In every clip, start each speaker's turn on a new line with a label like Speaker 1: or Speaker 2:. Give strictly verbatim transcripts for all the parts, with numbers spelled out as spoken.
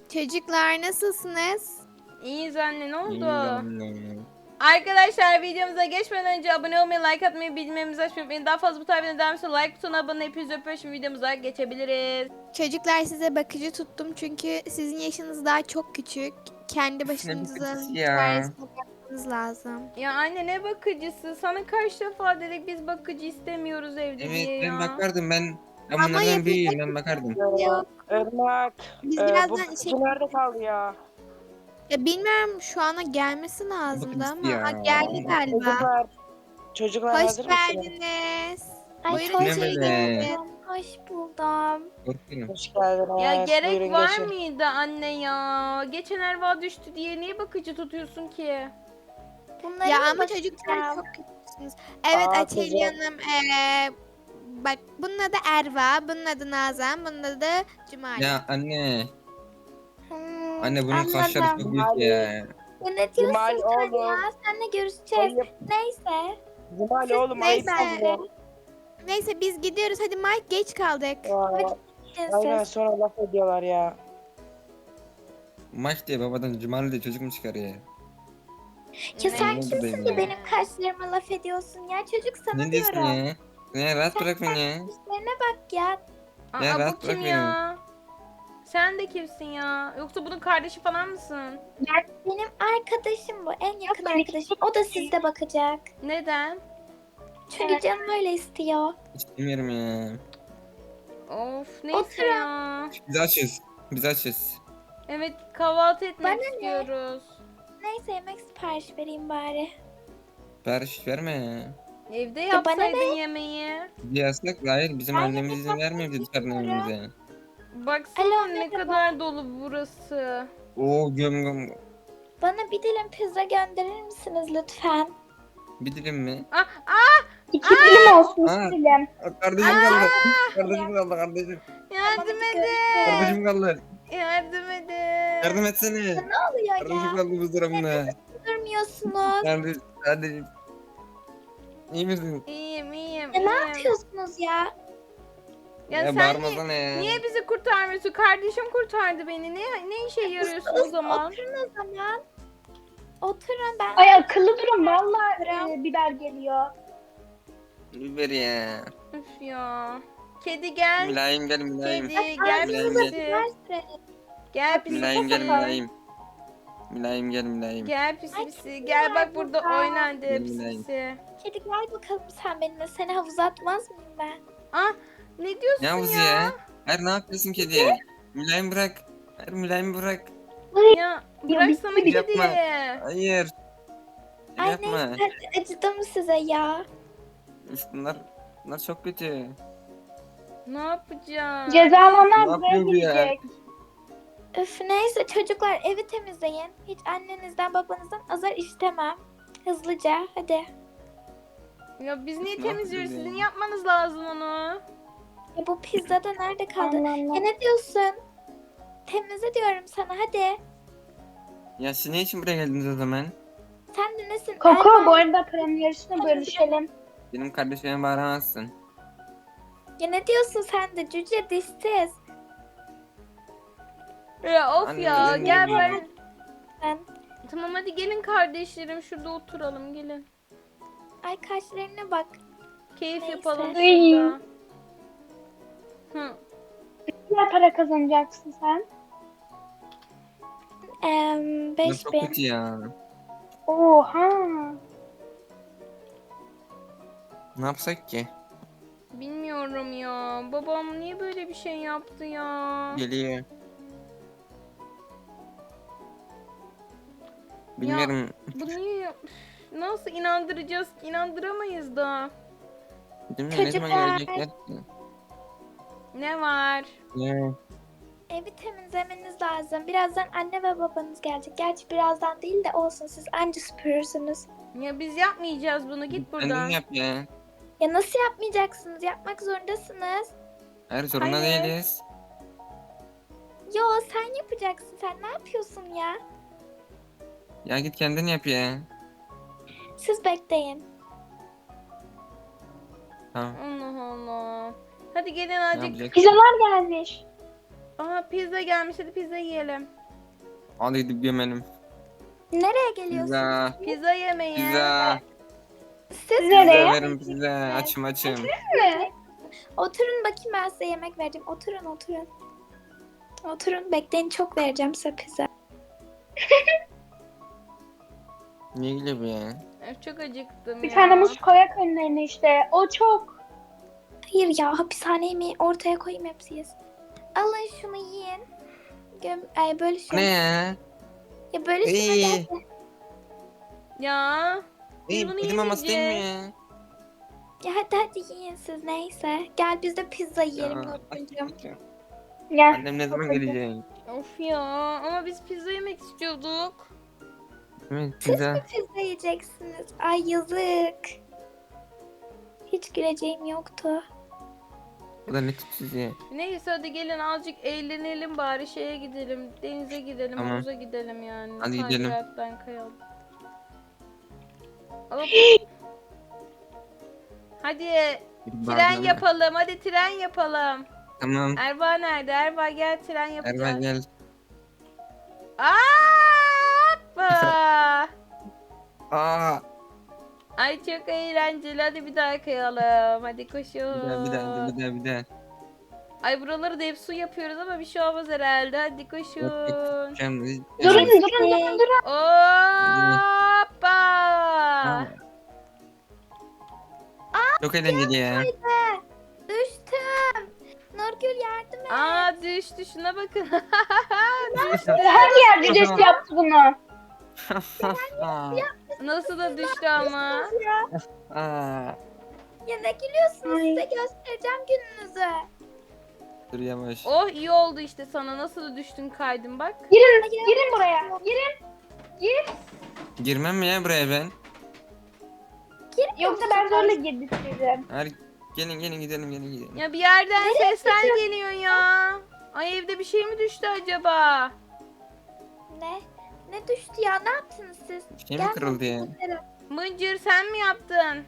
Speaker 1: Çocuklar nasılsınız?
Speaker 2: İyiyiz anne, ne oldu?
Speaker 3: İyi anne.
Speaker 2: Arkadaşlar videomuza geçmeden önce abone olmayı, like atmayı, bildirimlerimizi açmayı unutmayın. Daha fazla bu tarz videolar devam için like butonuna abone olmayı, hepinizi öpüyorum. Şimdi videomuza geçebiliriz.
Speaker 1: Çocuklar size bakıcı tuttum çünkü sizin yaşınız daha çok küçük. Kendi başınıza
Speaker 3: bakıcısı ya?
Speaker 1: çaresine bakmanız lazım.
Speaker 2: Ya anne ne bakıcısı? Sana kaç defa dedik biz bakıcı istemiyoruz evde
Speaker 3: Evet
Speaker 2: diye
Speaker 3: ben
Speaker 2: ya.
Speaker 3: bakardım ben. Ben
Speaker 1: Ama
Speaker 3: bunlardan
Speaker 1: yapacak
Speaker 3: büyüğüm ben
Speaker 1: bir
Speaker 3: bakardım.
Speaker 1: şey yok.
Speaker 4: Irmak,
Speaker 1: Biz
Speaker 4: e, bu
Speaker 1: birazdan
Speaker 4: bakıcı
Speaker 1: şey...
Speaker 4: nerede kaldı ya?
Speaker 1: Ya bilmiyorum şu ana gelmesi lazımdı
Speaker 3: Bakıcısı
Speaker 1: ama
Speaker 3: ya.
Speaker 1: ha, geldi galiba.
Speaker 4: Çocuklar, çocuklar
Speaker 1: Hoş
Speaker 4: hazır mısınız?
Speaker 1: geldiniz.
Speaker 5: Ay
Speaker 1: Buyurun
Speaker 5: hoş
Speaker 1: içeri
Speaker 3: Nemele.
Speaker 1: gelin.
Speaker 5: buldum. Hoş buldum.
Speaker 3: Korkuyorum.
Speaker 4: Hoş geldiniz.
Speaker 2: Ya gerek
Speaker 4: Buyurun
Speaker 2: var
Speaker 4: geçin.
Speaker 2: mıydı anne ya? Geçen Erva düştü diye niye bakıcı tutuyorsun ki?
Speaker 5: Bunları
Speaker 1: Ya
Speaker 5: mı
Speaker 1: ama çocuklar
Speaker 5: bakacağım?
Speaker 1: çok küçüksünüz. Evet
Speaker 4: Aa,
Speaker 1: Açeli
Speaker 4: güzel.
Speaker 1: Hanım. Ee, bak bunun adı Erva, bunun adı Nazan, bunun adı Cumali.
Speaker 3: Ya anne.
Speaker 5: Hmm,
Speaker 3: Anne bunun kaşları
Speaker 5: anladım.
Speaker 3: çok büyük ya.
Speaker 5: Ya ne diyorsun
Speaker 4: Cumali
Speaker 5: sen
Speaker 4: oğlum.
Speaker 5: ya? Seninle görüşeceğiz.
Speaker 4: Ayıp.
Speaker 5: Neyse.
Speaker 4: Cumali
Speaker 1: Siz
Speaker 4: oğlum ayıp
Speaker 1: neyse.
Speaker 4: oluyor.
Speaker 1: Neyse biz gidiyoruz. Hadi Mike geç kaldık.
Speaker 4: Aa,
Speaker 5: Gidin
Speaker 4: aynen
Speaker 5: siz.
Speaker 4: sonra laf ediyorlar ya.
Speaker 3: Maç diye babadan Cumali diye çocuk mu çıkarıyor?
Speaker 5: Ya
Speaker 2: Ne
Speaker 5: sen
Speaker 3: oldu
Speaker 5: kimsin
Speaker 3: benim
Speaker 5: de
Speaker 3: ya?
Speaker 5: benim kaşlarıma laf ediyorsun ya? Çocuk sana
Speaker 3: Ne diyorsun
Speaker 5: diyorum.
Speaker 3: ya? Ya rahat bırak beni ya.
Speaker 5: Kaşlarına bak ya.
Speaker 2: Aa,
Speaker 3: Ya
Speaker 2: bu
Speaker 3: rahat
Speaker 2: kim
Speaker 3: bırak
Speaker 2: ya? Sen de kimsin ya? Yoksa bunun kardeşi falan mısın?
Speaker 5: Benim arkadaşım bu. En yakın arkadaşım. O da sizde bakacak.
Speaker 2: Neden?
Speaker 5: Çünkü canım öyle istiyor.
Speaker 3: İstemiyorum ya.
Speaker 2: Of neyse
Speaker 5: Oturun.
Speaker 2: ya.
Speaker 3: Biz açız. Biz açız.
Speaker 2: Evet kahvaltı etmek
Speaker 5: Bana ne?
Speaker 2: istiyoruz.
Speaker 5: Neyse yemek sipariş vereyim bari.
Speaker 3: Sipariş verme ya.
Speaker 2: Evde
Speaker 5: Ya bana
Speaker 2: yapsaydın yemeği.
Speaker 3: Bir yasak hayır bizim
Speaker 5: Ben
Speaker 3: annemiz
Speaker 5: yemek
Speaker 3: izin vermiyor bize dışarıdan
Speaker 5: istemiyorum.
Speaker 3: evimize.
Speaker 2: Baksana
Speaker 5: Alo,
Speaker 2: ne
Speaker 5: merhaba.
Speaker 2: kadar dolu burası.
Speaker 3: Oo göm göm.
Speaker 5: Bana bir dilim pizza gönderir misiniz lütfen?
Speaker 3: Bir dilim mi?
Speaker 2: Ah ah
Speaker 5: İki dilim olsun
Speaker 3: Aa.
Speaker 5: iki dilim.
Speaker 3: Aa, Kardeşim kaldı. Kardeşim kaldı kardeşim.
Speaker 2: yardım
Speaker 5: Tamam,
Speaker 2: edin.
Speaker 3: Kardeşim kaldı.
Speaker 2: Yardım edin.
Speaker 3: Yardım etsene.
Speaker 5: Ne oluyor
Speaker 3: Kardeşim
Speaker 5: ya?
Speaker 3: kaldı bu durumda.
Speaker 5: Durmuyorsunuz.
Speaker 3: Kardeşim. Kardeşim. İyi misin?
Speaker 2: İyiyim iyiyim.
Speaker 5: Ya ne
Speaker 2: iyiyim.
Speaker 5: yapıyorsunuz ya?
Speaker 2: Ya,
Speaker 3: Ya,
Speaker 2: sen
Speaker 3: bağırmasana ya.
Speaker 2: niye bizi kurtarmıyorsun? Kardeşim kurtardı beni. Ne ne işe yarıyorsun o zaman?
Speaker 5: Oturun o zaman. Oturun ben.
Speaker 6: Ay akıllı durun vallahi e, biber geliyor.
Speaker 3: Biber ya.
Speaker 2: Üf ya. Kedi gel.
Speaker 3: Mülayim gel mülayim.
Speaker 2: Kedi gel
Speaker 3: Mülayim
Speaker 2: pisi.
Speaker 3: gel.
Speaker 5: Ver sürelim.
Speaker 2: Gel pisi
Speaker 3: Mülayim gel
Speaker 2: pisi.
Speaker 3: mülayim. Mülayim gel mülayim.
Speaker 2: Gel pisi
Speaker 5: Ay,
Speaker 2: pisi.
Speaker 5: kedi
Speaker 2: Gel
Speaker 5: var
Speaker 2: bak burada
Speaker 5: burada.
Speaker 2: oynan de pisi
Speaker 3: Bilmiyorum.
Speaker 2: pisi.
Speaker 5: Kedi gel bakalım sen benimle. Seni havuza atmaz mıyım ben?
Speaker 2: Ah ne diyorsun
Speaker 3: Ne havuzu
Speaker 2: ya?
Speaker 3: ya? Hayır ne yapıyorsun kediye? Mülayim bırak. Hayır mülayim bırak.
Speaker 2: Ya bıraksana
Speaker 3: bitti.
Speaker 2: kedi.
Speaker 3: Yapma. Hayır.
Speaker 5: Ay
Speaker 3: Yapma.
Speaker 5: neyse hadi acıdım size ya.
Speaker 3: Üf, bunlar, bunlar çok kötü.
Speaker 2: Ne yapacağım?
Speaker 6: Cezalanlar
Speaker 3: Ne
Speaker 6: buraya
Speaker 3: yapıyor bu ya?
Speaker 6: gelecek.
Speaker 5: Üf neyse çocuklar evi temizleyin. Hiç annenizden babanızdan azar istemem. Hızlıca hadi.
Speaker 2: Ya biz niye
Speaker 3: Ne
Speaker 2: temizliyoruz?
Speaker 3: yapacağız
Speaker 2: Sizin
Speaker 3: ya?
Speaker 2: yapmanız lazım onu.
Speaker 5: Ya bu pizza da nerede kaldı?
Speaker 6: Allah
Speaker 5: Ya
Speaker 6: Allah.
Speaker 5: ne diyorsun? Temizle diyorum sana hadi.
Speaker 3: Ya siz ne için buraya geldiniz o zaman?
Speaker 5: Sen de nesin?
Speaker 6: Koko
Speaker 5: Erman?
Speaker 6: bu arada paranın yarısını bölüşelim.
Speaker 3: Benim kardeşime bağıramazsın.
Speaker 5: Ya ne diyorsun sen de cüce dişsiz.
Speaker 2: Ya of
Speaker 3: Anne,
Speaker 2: ya
Speaker 3: öyle
Speaker 2: gel
Speaker 3: mi?
Speaker 2: ben.
Speaker 5: Ben.
Speaker 2: Tamam hadi gelin kardeşlerim şurada oturalım gelin.
Speaker 5: Ay kaşlarına bak.
Speaker 2: Keyif
Speaker 5: Neyse.
Speaker 2: yapalım
Speaker 6: Ay.
Speaker 2: şurada. Hı.
Speaker 6: Ne kadar para kazanacaksın sen?
Speaker 5: Eee
Speaker 3: Bunlar
Speaker 5: beş
Speaker 3: çok
Speaker 5: bin.
Speaker 3: kötü ya.
Speaker 6: Oha.
Speaker 3: Ne yapsak ki?
Speaker 2: Bilmiyorum ya. Babam niye böyle bir şey yaptı ya?
Speaker 3: Geliyor. Bilmiyorum.
Speaker 2: Bu niye? Üf, nasıl inandıracağız ki? İnandıramayız da.
Speaker 3: Bilmiyorum ne zaman
Speaker 5: Çocuklar.
Speaker 3: gelecekler ki?
Speaker 2: Ne var?
Speaker 3: Ya.
Speaker 5: Evi temizlemeniz lazım. Birazdan anne ve babanız gelecek. Gerçi birazdan değil de olsun siz anca süpürürsünüz.
Speaker 2: Ya biz yapmayacağız bunu. Git buradan.
Speaker 3: Kendin yap ya.
Speaker 5: Ya nasıl yapmayacaksınız? Yapmak zorundasınız.
Speaker 3: Hayır zorunda
Speaker 5: Hayır.
Speaker 3: değiliz.
Speaker 5: Yo sen yapacaksın. Sen ne yapıyorsun ya?
Speaker 3: Ya git kendin yap ya.
Speaker 5: Siz bekleyin.
Speaker 3: Tamam.
Speaker 2: Allah Allah. Hadi gelin
Speaker 3: Ne
Speaker 2: azıcık.
Speaker 3: yapacak?
Speaker 6: Pizzalar gelmiş.
Speaker 2: Aha pizza gelmiş, hadi pizza yiyelim.
Speaker 3: Hadi gidip yemelim.
Speaker 5: Nereye geliyorsunuz?
Speaker 3: Pizza.
Speaker 2: Pizza yemeği.
Speaker 3: Pizza.
Speaker 5: Siz
Speaker 3: Pizza
Speaker 6: Nereye?
Speaker 3: verin pizza. Açım açım.
Speaker 6: mi?
Speaker 5: Oturun bakayım, ben size yemek vereceğim. Oturun oturun. Oturun bekleyin, çok vereceğim size pizza.
Speaker 3: Niye gülüyor bu ya?
Speaker 2: Öf, çok acıktım
Speaker 6: Bir
Speaker 2: ya.
Speaker 6: tane muz koyak önlerine işte. O çok.
Speaker 5: Hayır ya, hapishane yemeği ortaya koyayım, hepsi yesin. Alın şunu yiyin. Göm Ay böyle şunu.
Speaker 3: Ne ya?
Speaker 5: Ya böyle şunu
Speaker 3: İyi.
Speaker 5: hadi.
Speaker 2: Ya. Biz
Speaker 3: İyi,
Speaker 2: bunu
Speaker 3: kedi maması değil mi
Speaker 2: yemeyeceğiz.
Speaker 3: ya?
Speaker 5: Ya hadi hadi yiyin siz, neyse. Gel biz de pizza yiyelim
Speaker 3: Ya,
Speaker 5: Nurgül'cüm.
Speaker 6: Gel.
Speaker 3: Annem ne zaman gelecek?
Speaker 2: Of ya, ama biz pizza yemek istiyorduk.
Speaker 3: Evet
Speaker 5: Siz
Speaker 3: pizza.
Speaker 5: mi pizza yiyeceksiniz? Ay yazık. Hiç güleceğim yoktu.
Speaker 3: Bu da ne tipsiz ya?
Speaker 2: Neyse hadi gelin azıcık eğlenelim bari, şeye gidelim. Denize gidelim,
Speaker 3: Tamam.
Speaker 2: havuza gidelim yani.
Speaker 3: Hadi gidelim.
Speaker 2: Kaydıraktan kayalım. Hop. Hadi tren
Speaker 3: Pardon.
Speaker 2: yapalım, hadi tren yapalım.
Speaker 3: Tamam.
Speaker 2: Erva nerede? Erva gel, tren
Speaker 3: Erva
Speaker 2: yapacağız.
Speaker 3: gel.
Speaker 2: Hoppa!
Speaker 3: Aa.
Speaker 2: Ay çok eğlenceli, hadi bir daha kayalım. Hadi
Speaker 3: Bir
Speaker 2: koşun.
Speaker 3: daha bir daha bir daha bir daha.
Speaker 2: Ay buraları da hep su yapıyoruz ama bir şey olmaz herhalde. Hadi koşun.
Speaker 3: Şimdi.
Speaker 6: Durun durun durun durun.
Speaker 2: Hoppa!
Speaker 3: Çok eğlenceli ya.
Speaker 5: Düştüm. Nurgül yardım et.
Speaker 2: Aa düştü, şuna bakın.
Speaker 6: Her yer birisi yaptı bunu.
Speaker 2: Nasıl da düştü ama.
Speaker 3: Aa.
Speaker 5: Ya ne gülüyorsunuz?
Speaker 6: Ay.
Speaker 5: Size göstereceğim gününüzü.
Speaker 3: Dur yavaş.
Speaker 2: Oh iyi oldu işte sana. Nasıl da düştün kaydın bak.
Speaker 6: Girin, girin buraya. Girin. Gir.
Speaker 3: Girmem mi ya buraya ben?
Speaker 6: Yoksa ben zorla girdirtirim.
Speaker 3: Hadi gelin gelin gidelim gelin gidelim.
Speaker 2: Ya bir yerden sesler geliyor ya. Ay evde bir şey mi düştü acaba?
Speaker 5: Ne? Ne düştü ya? Ne yaptınız siz?
Speaker 3: Bir şey mi
Speaker 5: Gel
Speaker 3: kırıldı ya?
Speaker 5: gösterin.
Speaker 2: Mıncır sen mi yaptın?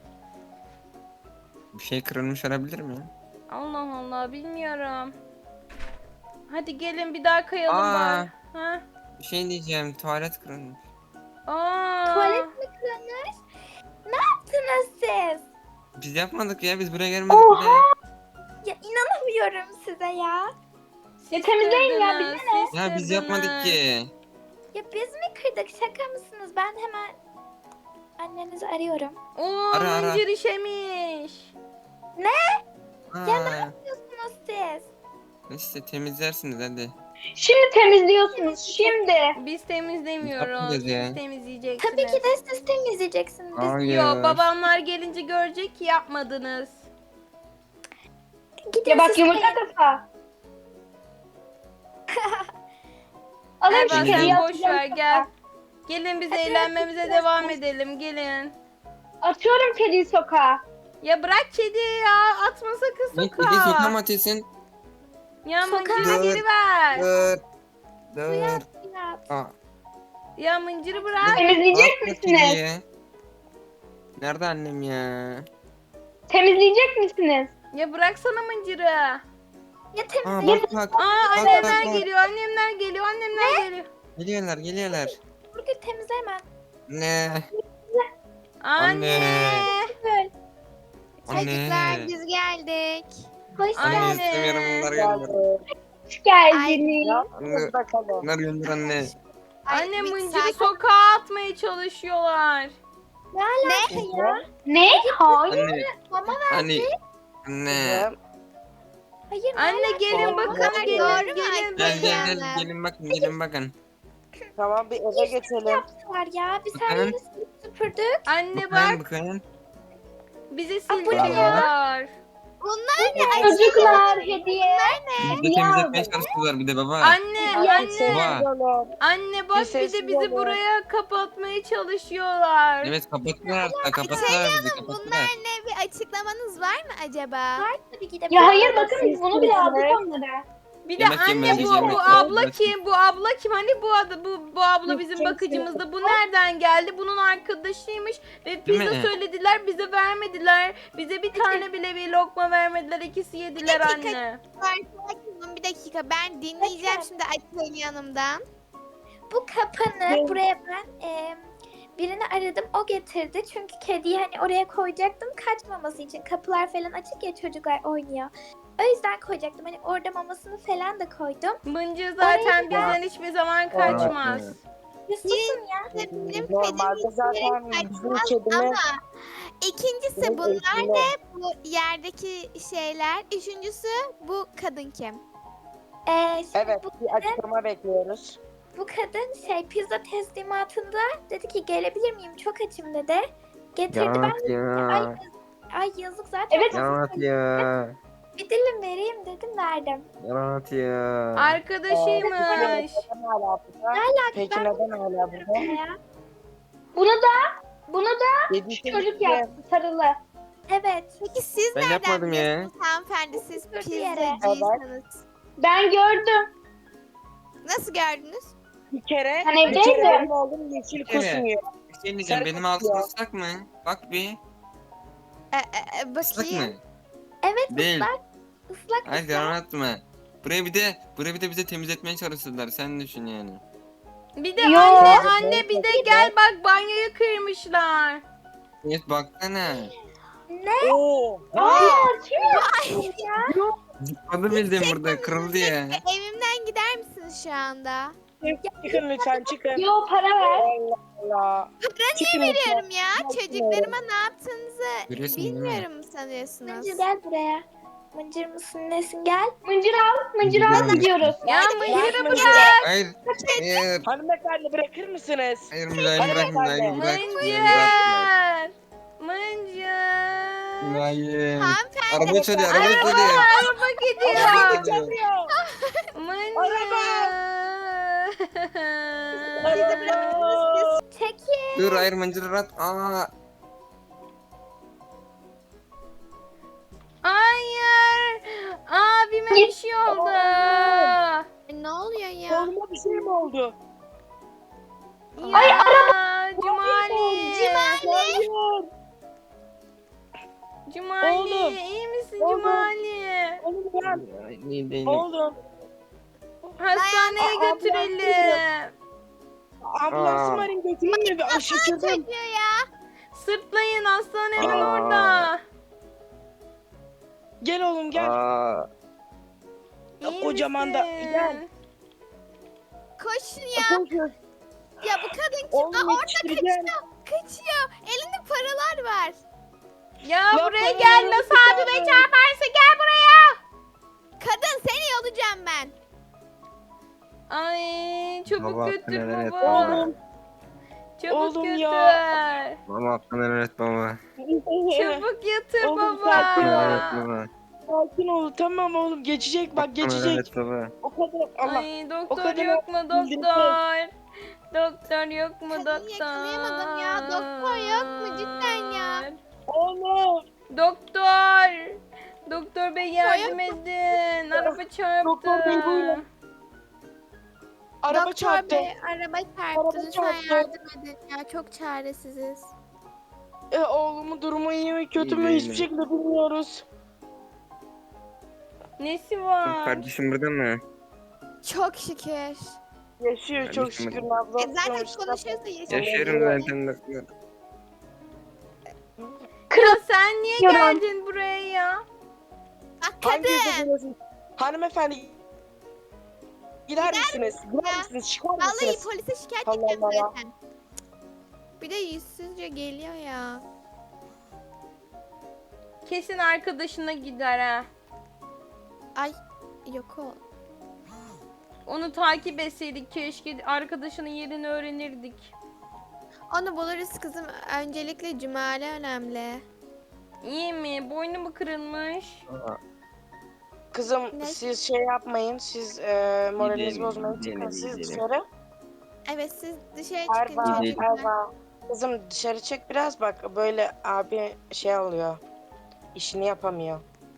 Speaker 3: Bir şey kırılmış olabilir mi?
Speaker 2: Allah Allah bilmiyorum. Hadi gelin bir daha kayalım
Speaker 3: Aa.
Speaker 2: bari. Ha?
Speaker 3: Bir şey diyeceğim. Tuvalet kırılmış.
Speaker 2: Aa.
Speaker 5: Tuvalet mi kırılmış? Ne yaptınız siz?
Speaker 3: Biz yapmadık ya. Biz buraya gelmedik bile.
Speaker 5: Ya inanamıyorum size ya.
Speaker 2: Siz
Speaker 6: Ya temizleyin ya,
Speaker 2: kırdınız,
Speaker 6: bize ne?
Speaker 2: siz
Speaker 3: Ya biz yapmadık
Speaker 2: kırdınız.
Speaker 3: ki.
Speaker 5: Ya biz mi kırdık? Şaka mısınız? Ben hemen annenizi arıyorum.
Speaker 2: Oo
Speaker 3: Ara, ara.
Speaker 2: mıncır işemiş.
Speaker 3: Aa.
Speaker 5: Diyorsunuz siz.
Speaker 3: İşte temizlersiniz hadi.
Speaker 6: Şimdi temizliyorsunuz. Şimdi.
Speaker 2: Biz temizlemiyoruz.
Speaker 3: Yapmayacağız ya.
Speaker 2: Siz temizleyeceksiniz.
Speaker 5: Tabii ki de siz temizleyeceksiniz. Biz
Speaker 3: Hayır.
Speaker 2: Yo babamlar gelince görecek ki yapmadınız.
Speaker 5: gidin
Speaker 6: Ya bak
Speaker 5: siz
Speaker 6: yumurta kafa. Alın
Speaker 2: Erva
Speaker 6: şu
Speaker 3: Temizleyin.
Speaker 6: kediyi
Speaker 2: sen boş ver
Speaker 6: atacağım
Speaker 2: gel.
Speaker 6: sokağa.
Speaker 2: Gelin biz
Speaker 5: Hadi,
Speaker 2: eğlenmemize
Speaker 5: hadi,
Speaker 2: devam
Speaker 5: hadi.
Speaker 2: edelim gelin.
Speaker 6: Atıyorum kediyi sokağa.
Speaker 2: Ya bırak kediyi ya atma sakın
Speaker 3: Ne kedi sokağa
Speaker 2: sokağa.
Speaker 3: mı atıyorsun?
Speaker 2: Ya
Speaker 5: Sokağa.
Speaker 2: mıncırı
Speaker 3: Dur.
Speaker 2: geri ver.
Speaker 3: Dur. Dur.
Speaker 5: yap.
Speaker 3: Aa.
Speaker 2: Ya mıncırı bırak.
Speaker 6: Temizleyecek
Speaker 3: Atma
Speaker 6: misiniz?
Speaker 3: kediyi. Nerede annem ya?
Speaker 6: Temizleyecek misiniz?
Speaker 2: Ya bıraksana mıncırı.
Speaker 5: Ya
Speaker 3: Aa
Speaker 5: temizleyin.
Speaker 3: bak bak.
Speaker 2: Aa
Speaker 3: Bak,
Speaker 2: annemler
Speaker 3: bak, bak.
Speaker 2: geliyor annemler geliyor annemler geliyor.
Speaker 3: Geliyorlar geliyorlar.
Speaker 5: Nurgül temizle hemen.
Speaker 3: Ne?
Speaker 2: Anne.
Speaker 5: Böyle.
Speaker 1: Çocuklar
Speaker 3: Anne.
Speaker 1: biz geldik.
Speaker 5: Hoş
Speaker 2: Anne.
Speaker 5: geldin.
Speaker 3: Anne istemiyorum bunlar gönder.
Speaker 6: Hoş geldiniz.
Speaker 3: Anne.
Speaker 4: bakalım.
Speaker 3: Bunlar gönder anne.
Speaker 1: Ay,
Speaker 2: Anne
Speaker 1: bir
Speaker 2: mıncırı
Speaker 1: sakin-
Speaker 2: sokağa atmaya çalışıyorlar.
Speaker 5: Ne alaka ya?
Speaker 6: Ne? Hayır.
Speaker 3: Anne.
Speaker 5: Mama
Speaker 3: Anne. Anne.
Speaker 5: hayır. ne
Speaker 2: Anne
Speaker 5: alaka?
Speaker 2: gelin bakın
Speaker 1: Doğru
Speaker 2: gelin
Speaker 1: mu
Speaker 2: gelin.
Speaker 3: Gel gel
Speaker 1: Anne.
Speaker 3: gel gelin bakın gelin bakın.
Speaker 4: Tamam bir eve geçelim.
Speaker 5: Yaptılar ya. Biz her
Speaker 3: Bakın.
Speaker 5: yeri silip süpürdük.
Speaker 2: Anne
Speaker 3: Bakın
Speaker 2: bak
Speaker 3: bakın.
Speaker 2: bizi
Speaker 5: bu ne
Speaker 2: sildiriyorlar.
Speaker 1: Bunlar ne? Ay,
Speaker 6: Çocuklar hediye.
Speaker 3: Biz de temizletmeye çalıştılar bir de baba.
Speaker 2: Anne
Speaker 6: Ya,
Speaker 2: anne.
Speaker 3: Baba.
Speaker 2: Anne bak
Speaker 4: Bir
Speaker 2: bir
Speaker 4: ses
Speaker 2: de bizi
Speaker 4: yok.
Speaker 2: buraya kapatmaya çalışıyorlar.
Speaker 3: Evet kapattılar artık kapattılar bizi
Speaker 1: Bunlar
Speaker 3: kapattılar.
Speaker 1: ne? Bir açıklamanız var mı acaba?
Speaker 5: Var tabii ki de.
Speaker 6: Ya hayır bakın biz bunu bile aldık onlara.
Speaker 2: Bir de
Speaker 3: Yemek
Speaker 2: anne
Speaker 3: yemeliyiz,
Speaker 2: bu,
Speaker 3: yemek
Speaker 2: bu abla
Speaker 3: yemeliyiz.
Speaker 2: kim? Bu abla kim? Hani bu adı bu bu abla bizim
Speaker 6: Kimse
Speaker 2: bakıcımızda. Bu nereden geldi? Bunun arkadaşıymış ve
Speaker 3: Değil
Speaker 2: pizza
Speaker 3: mi?
Speaker 2: söylediler bize vermediler. Bize bir tane bile bir lokma vermediler. İkisi yediler
Speaker 1: dakika.
Speaker 2: anne.
Speaker 1: Var, sakin oğlum bir dakika ben dinleyeceğim
Speaker 5: Bakın.
Speaker 1: şimdi Atilla'nın yanımdan.
Speaker 5: Bu kapanı buraya ben e, birini aradım, o getirdi. Çünkü kediyi hani oraya koyacaktım kaçmaması için. Kapılar falan açık ya, çocuklar oynuyor. O yüzden koyacaktım. Hani orada mamasını falan da koydum.
Speaker 2: Mıncır zaten bizden hiçbir zaman kaçmaz.
Speaker 5: Ya susun ya.
Speaker 1: Benim
Speaker 4: Normalde
Speaker 1: kedim
Speaker 4: zaten
Speaker 1: hiçbir yere
Speaker 4: bizim
Speaker 1: kaçmaz
Speaker 4: kedimiz
Speaker 1: ama ikincisi
Speaker 4: Bizim
Speaker 1: bunlar
Speaker 4: eğitimli.
Speaker 1: ne? Bu yerdeki şeyler. Üçüncüsü bu kadın kim?
Speaker 5: E, şimdi
Speaker 4: evet
Speaker 5: bu,
Speaker 4: bir açıklama bekliyoruz.
Speaker 5: bu kadın şey pizza teslimatında dedi ki gelebilir miyim? Çok açım dedi. Getirdi ben de ay, ay yazık zaten.
Speaker 6: Evet.
Speaker 5: fazla
Speaker 7: ya.
Speaker 5: Bir dilim vereyim dedim, verdim.
Speaker 7: Yarat ya.
Speaker 2: Arkadaşıymış.
Speaker 4: Neden hala burada? Peki
Speaker 5: Ben
Speaker 4: neden hala burada?
Speaker 5: Ya.
Speaker 6: Bunu da bunu da
Speaker 4: Yedi
Speaker 6: şu çocuk yaptı sarılı.
Speaker 5: Evet.
Speaker 1: Peki siz
Speaker 7: Ben
Speaker 1: nereden
Speaker 7: yapmadım ya.
Speaker 1: biliyorsunuz hanımefendi? Siz
Speaker 5: Oturdu yere.
Speaker 1: pizzacıysanız.
Speaker 6: Ben gördüm.
Speaker 1: Nası gördünüz?
Speaker 4: Bir kere,
Speaker 6: Ben
Speaker 4: bir kere
Speaker 6: evdeydim.
Speaker 4: benim oğlum yeşil
Speaker 3: Bir kere.
Speaker 4: kusmuyor.
Speaker 3: Bir şey diyeceğim.
Speaker 4: Sarı
Speaker 3: Benim
Speaker 4: kutuyor.
Speaker 3: ağzım ıslak mı? Bak bir.
Speaker 1: E, e, e,
Speaker 3: Islak
Speaker 1: bakayım.
Speaker 3: mı?
Speaker 5: Evet
Speaker 3: Değil.
Speaker 5: ıslak. Islak
Speaker 3: Hayır
Speaker 5: ıslak.
Speaker 3: yalan atma. Buraya bir de buraya bir de bize temizletmeye çalıştılar. Sen düşün yani.
Speaker 2: Bir de
Speaker 6: Yo.
Speaker 2: anne anne bir de gel bak banyoyu kırmışlar.
Speaker 3: Evet baksana.
Speaker 4: Oo.
Speaker 6: Aa,
Speaker 3: Zıpladı bildiğin burada kırıldı ya.
Speaker 1: E, evimden gider misiniz şu anda?
Speaker 4: Çıkın lütfen çıkın.
Speaker 6: yo para ver.
Speaker 4: Allah Allah. Çıkın lütfen.
Speaker 1: Biliyorum ya.
Speaker 4: Yapmıyorum.
Speaker 1: Çocuklarıma ne yaptığınızı
Speaker 3: Görüyorsun değil mi?
Speaker 1: bilmiyorum mu sanıyorsunuz?
Speaker 5: Mıncır gel buraya. Mıncır mısın nesin gel.
Speaker 6: Mıncır al. Mıncır al
Speaker 3: Gidelim.
Speaker 6: gidiyoruz.
Speaker 2: Ya
Speaker 4: Bırak
Speaker 2: mıncırı
Speaker 4: mıncırı.
Speaker 2: bırak.
Speaker 3: Hayır. Hayır.
Speaker 4: Hanımefendi bırakır mısınız?
Speaker 3: Hayır mülayim bırak mülayim bırak. Mülayim bırak.
Speaker 2: Mıncır. Mıncır.
Speaker 3: Mülayim.
Speaker 1: Hanımefendi.
Speaker 3: Araba çalıyor araba
Speaker 2: Araba,
Speaker 3: çalıyor.
Speaker 2: araba gidiyor.
Speaker 3: Araba çalıyor.
Speaker 2: Mıncır.
Speaker 4: Araba.
Speaker 5: Çekil.
Speaker 3: Dur hayır mıncır at. Aa.
Speaker 2: Hayır. Abime bir şey oldu.
Speaker 1: E, ne oluyor ya?
Speaker 4: Oğluma bir şey mi oldu?
Speaker 2: Ay araba. Cumali.
Speaker 4: Hayır.
Speaker 2: Cumali.
Speaker 4: Oğlum.
Speaker 2: iyi misin
Speaker 4: Oğlum.
Speaker 2: Cumali?
Speaker 4: Oğlum gel.
Speaker 7: Ne değil.
Speaker 4: Oğlum.
Speaker 2: Hastaneye
Speaker 4: Aa,
Speaker 2: götürelim.
Speaker 4: Ambulansım
Speaker 7: Aa.
Speaker 4: arayın götürün mü? Şaşırdım.
Speaker 1: Çocuğu ya.
Speaker 2: Sırtlayın hastane hemen
Speaker 7: Aa.
Speaker 2: orada.
Speaker 4: Gel oğlum gel.
Speaker 7: Aa.
Speaker 2: İyi
Speaker 4: Kocaman da-
Speaker 2: misin?
Speaker 4: gel.
Speaker 1: Koşun ya.
Speaker 4: Koşun.
Speaker 1: Ya bu kadın kim?
Speaker 4: Oğlum
Speaker 1: Aa, orada
Speaker 4: yetiştireceğim.
Speaker 1: kaçıyor. Kaçıyor. Elinde paralar var.
Speaker 2: Ya
Speaker 4: Ya
Speaker 2: buraya
Speaker 4: ben
Speaker 2: gel
Speaker 4: onu
Speaker 2: nasıl
Speaker 4: bir
Speaker 2: abime
Speaker 4: tane-
Speaker 2: çarparsa gel buraya.
Speaker 1: Kadın seni yolacağım ben.
Speaker 2: Ay çabuk
Speaker 7: Baba,
Speaker 2: götür
Speaker 7: neler
Speaker 2: baba.
Speaker 4: Oğlum.
Speaker 2: Çabuk
Speaker 4: Oğlum
Speaker 2: götür.
Speaker 4: ya.
Speaker 7: Baba hakkını helal et baba.
Speaker 2: Çabuk yatır
Speaker 4: Oğlum,
Speaker 2: baba.
Speaker 4: sakin
Speaker 7: Hakkını
Speaker 4: ol.
Speaker 7: helal et baba.
Speaker 4: Sakin ol tamam oğlum geçecek bak
Speaker 7: Hakkını helal
Speaker 4: geçecek.
Speaker 7: et baba.
Speaker 4: O kadar Allah.
Speaker 2: Ay
Speaker 4: O
Speaker 2: doktor
Speaker 4: kadar
Speaker 2: yok mu
Speaker 4: bildirdim.
Speaker 2: doktor? Doktor yok mu
Speaker 1: Kadını
Speaker 2: doktor?
Speaker 1: yakalayamadım ya. Doktor yok mu cidden ya?
Speaker 4: Oğlum.
Speaker 2: Doktor. Doktor bey yardım
Speaker 1: yok
Speaker 2: edin. Araba çarptı.
Speaker 4: Doktor bey, buyurun. Araba
Speaker 1: Doktor
Speaker 4: çarptı.
Speaker 1: Bey, araba çarptı.
Speaker 4: Araba
Speaker 1: Lütfen
Speaker 4: çarptı.
Speaker 1: yardım edin ya. Çok çaresiziz.
Speaker 4: E, oğlumun durumu iyi mi kötü
Speaker 7: İyi
Speaker 4: mü
Speaker 7: değil
Speaker 4: hiçbir
Speaker 7: mi?
Speaker 4: şekilde bilmiyoruz.
Speaker 2: Nesi var?
Speaker 7: Kardeşim burada mı?
Speaker 1: Çok şükür.
Speaker 4: Yaşıyor çok
Speaker 7: Kardeşim,
Speaker 4: şükür
Speaker 1: E
Speaker 4: Nabzat.
Speaker 1: zaten
Speaker 4: sonuçta.
Speaker 1: konuşuyorsa yaşıyor.
Speaker 7: Yaşıyorum zaten doktor.
Speaker 2: Ya sen niye
Speaker 6: Yorum.
Speaker 2: geldin buraya ya?
Speaker 1: Bak
Speaker 4: Hangi
Speaker 1: kadın.
Speaker 4: yüzde geliyorsun? Hanımefendi gider misiniz? Gider
Speaker 1: ya?
Speaker 4: misiniz? Çıkar
Speaker 1: Vallahi
Speaker 4: mısınız?
Speaker 1: polise şikayet
Speaker 4: Allah
Speaker 1: edeceğim
Speaker 4: Allah.
Speaker 1: zaten. Bir de yüzsüzce geliyor ya.
Speaker 2: Kesin arkadaşına gider ha.
Speaker 1: Ay yok o.
Speaker 2: Onu takip etseydik keşke arkadaşının yerini öğrenirdik.
Speaker 1: Onu buluruz kızım. Öncelikle Cumali önemli.
Speaker 2: İyi mi? Boynu mu kırılmış?
Speaker 7: Aa.
Speaker 4: Kızım
Speaker 1: Ne?
Speaker 4: siz şey yapmayın. Siz e, moralinizi
Speaker 7: Gidelim,
Speaker 4: bozmayın.
Speaker 7: gidelim,
Speaker 4: Çıkın siz
Speaker 7: gidelim.
Speaker 4: dışarı.
Speaker 1: Evet siz dışarı çıkın
Speaker 4: Erva,
Speaker 1: çocuklar.
Speaker 4: Erva. Kızım dışarı çık biraz bak. Böyle abi şey oluyor. İşini yapamıyor.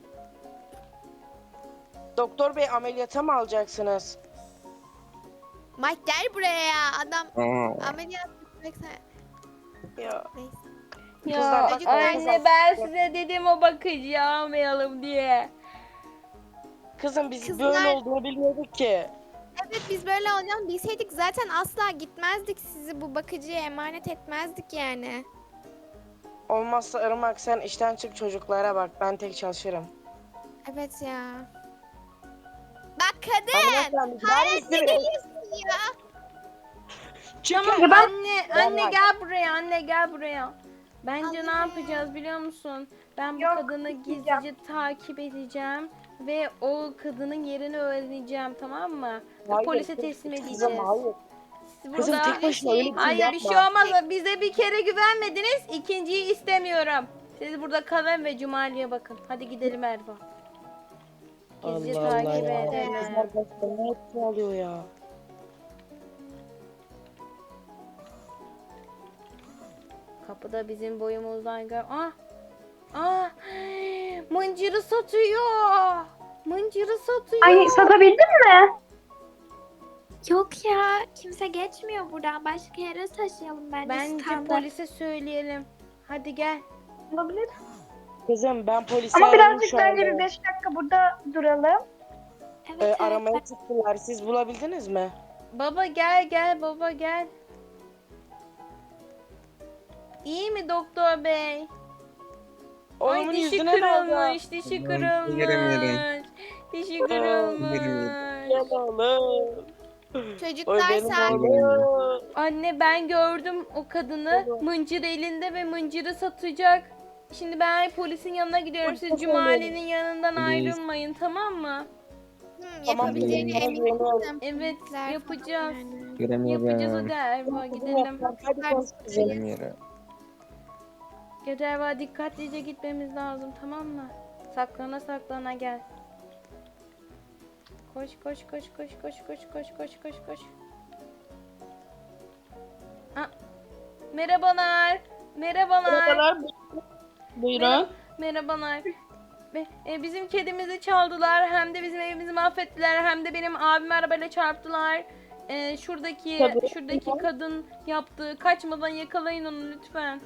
Speaker 4: Doktor bey ameliyata mı alacaksınız?
Speaker 1: Mike gel buraya ya. Adam
Speaker 7: Aa.
Speaker 1: ameliyat yapacaksa.
Speaker 4: Ya.
Speaker 1: Neyse.
Speaker 2: Ya
Speaker 4: Kızlar,
Speaker 1: çocuklar,
Speaker 2: anne ben size dedim o bakıcıyı almayalım diye.
Speaker 4: kızım biz
Speaker 1: Kızlar-
Speaker 4: böyle olduğunu bilmiyorduk ki.
Speaker 1: Evet biz böyle olacağını bilseydik zaten asla gitmezdik, sizi bu bakıcıya emanet etmezdik yani.
Speaker 4: Olmazsa Irmak sen işten çık, çocuklara bak, ben tek çalışırım.
Speaker 1: Evet ya. Bak kadın.
Speaker 4: Hanımefendi gider
Speaker 1: Hala ne
Speaker 4: misiniz?
Speaker 1: geliyorsun ya?
Speaker 4: Çıkın.
Speaker 2: Anne,
Speaker 4: Ben
Speaker 2: anne
Speaker 4: bak-
Speaker 2: gel buraya, anne gel buraya. Bence ne
Speaker 1: Anne.
Speaker 2: yapacağız biliyor musun? Ben bu
Speaker 6: Yok,
Speaker 2: kadını
Speaker 6: gitmeyeceğim.
Speaker 2: gizlice takip edeceğim ve o kadının yerini öğreneceğim, tamam mı? Ve
Speaker 4: Hayır,
Speaker 2: polise
Speaker 4: kız-
Speaker 2: teslim edeceğiz.
Speaker 4: Kızım hayır.
Speaker 2: Siz
Speaker 4: Kızım
Speaker 2: burada...
Speaker 4: tek başına öyle bir şey
Speaker 2: Hayır
Speaker 4: yapma.
Speaker 2: bir şey olmaz. Bize bir kere güvenmediniz. İkinciyi istemiyorum. Siz burada kalın ve Cumali'ye bakın. Hadi gidelim Erva. Gizlice
Speaker 4: Allah Allah
Speaker 2: takip
Speaker 4: ya.
Speaker 2: edelim.
Speaker 4: Kızlar başka ne yapıyor oluyor ya?
Speaker 2: Kapıda bizim boyumuzdan gör. Ah! Ah! Mıncırı satıyor. Mıncırı satıyor.
Speaker 6: Ay satabildin mi?
Speaker 5: Yok ya kimse geçmiyor buradan. Başka yere taşıyalım bence.
Speaker 2: Bence
Speaker 5: standart.
Speaker 2: polise söyleyelim. Hadi gel.
Speaker 6: Olabilir.
Speaker 4: Kızım ben polisi
Speaker 6: Ama
Speaker 4: aradım
Speaker 6: birazcık
Speaker 4: şu
Speaker 6: bence
Speaker 4: anda.
Speaker 6: bir beş dakika burada duralım.
Speaker 5: Evet,
Speaker 4: Ee,
Speaker 5: evet.
Speaker 4: aramaya çıktılar. Siz bulabildiniz mi?
Speaker 2: Baba gel gel baba gel. İyi mi doktor bey? Ay
Speaker 4: Oğlumun
Speaker 2: dişi
Speaker 4: yüzüne ne oldu?
Speaker 2: kırılmış, dişi
Speaker 7: Yerim,
Speaker 2: kırılmış.
Speaker 7: yerim.
Speaker 2: Dişi
Speaker 4: yerim,
Speaker 2: kırılmış.
Speaker 4: Gel oğlum. Oy
Speaker 1: Çocuklar
Speaker 4: benim
Speaker 1: sakin.
Speaker 4: oğlum.
Speaker 2: Anne ben gördüm o kadını. Mıncır elinde ve mıncırı satacak. Şimdi ben polisin yanına gidiyorum. Siz Cumali'nin yanından
Speaker 7: Polis.
Speaker 2: ayrılmayın, tamam mı?
Speaker 1: Hı,
Speaker 4: Tamam,
Speaker 1: yapabileceğine
Speaker 4: tamam,
Speaker 1: eminim.
Speaker 4: tamam.
Speaker 2: Evet
Speaker 1: Çocuklar
Speaker 2: yapacağız.
Speaker 1: falan yani.
Speaker 7: Göremiyorum.
Speaker 2: Yapacağız hadi Erva gidelim.
Speaker 4: Hadi konuş kızım.
Speaker 7: Göremiyorum.
Speaker 2: Gel Erva dikkatlice gitmemiz lazım, tamam mı? Saklana saklana gel. Koş koş koş koş koş koş koş koş koş koş. Aa, merhabalar. Merhabalar.
Speaker 4: Merhabalar. Buyurun.
Speaker 2: Merhabalar. Be- e, bizim kedimizi çaldılar. Hem de bizim evimizi mahvettiler. Hem de benim abimi arabayla çarptılar. E, şuradaki
Speaker 4: Tabii.
Speaker 2: şuradaki kadın yaptı. Kaçmadan yakalayın onu lütfen.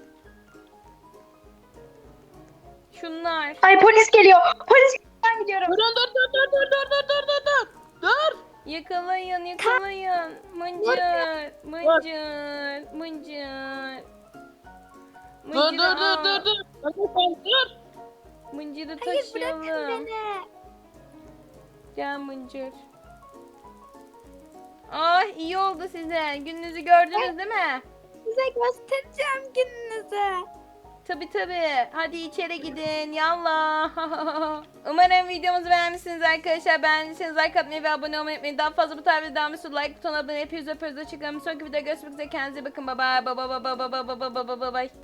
Speaker 2: Şunlar.
Speaker 6: Ay polis geliyor. Polis ben gidiyorum.
Speaker 4: Durun dur dur dur dur dur dur dur dur dur. Dur.
Speaker 2: Yakalayın, yakalayın. Mıncır, mıncır, mıncır.
Speaker 4: Dur dur
Speaker 2: Mıncırı
Speaker 4: dur
Speaker 2: al.
Speaker 4: dur dur. Hanımefendi dur.
Speaker 2: Mıncırı
Speaker 5: Hayır bırakın
Speaker 2: taşıyalım.
Speaker 5: beni.
Speaker 2: Gel mıncır. Ah iyi oldu size. Gününüzü gördünüz değil mi?
Speaker 5: Size göstereceğim gününüzü.
Speaker 2: Tabi tabi. Hadi içeri gidin. Yallah. Umarım videomuzu beğenmişsiniz arkadaşlar. Beğendiyseniz like atmayı ve abone olmayı unutmayın. Daha fazla bu tarz videolar için like butonuna abone hepinizi öpüyoruz. Hoşçakalın. Bir sonraki videoda görüşmek üzere. Kendinize bakın. Bye bye. Bye bye bye bye bye bye bye bye bye bye.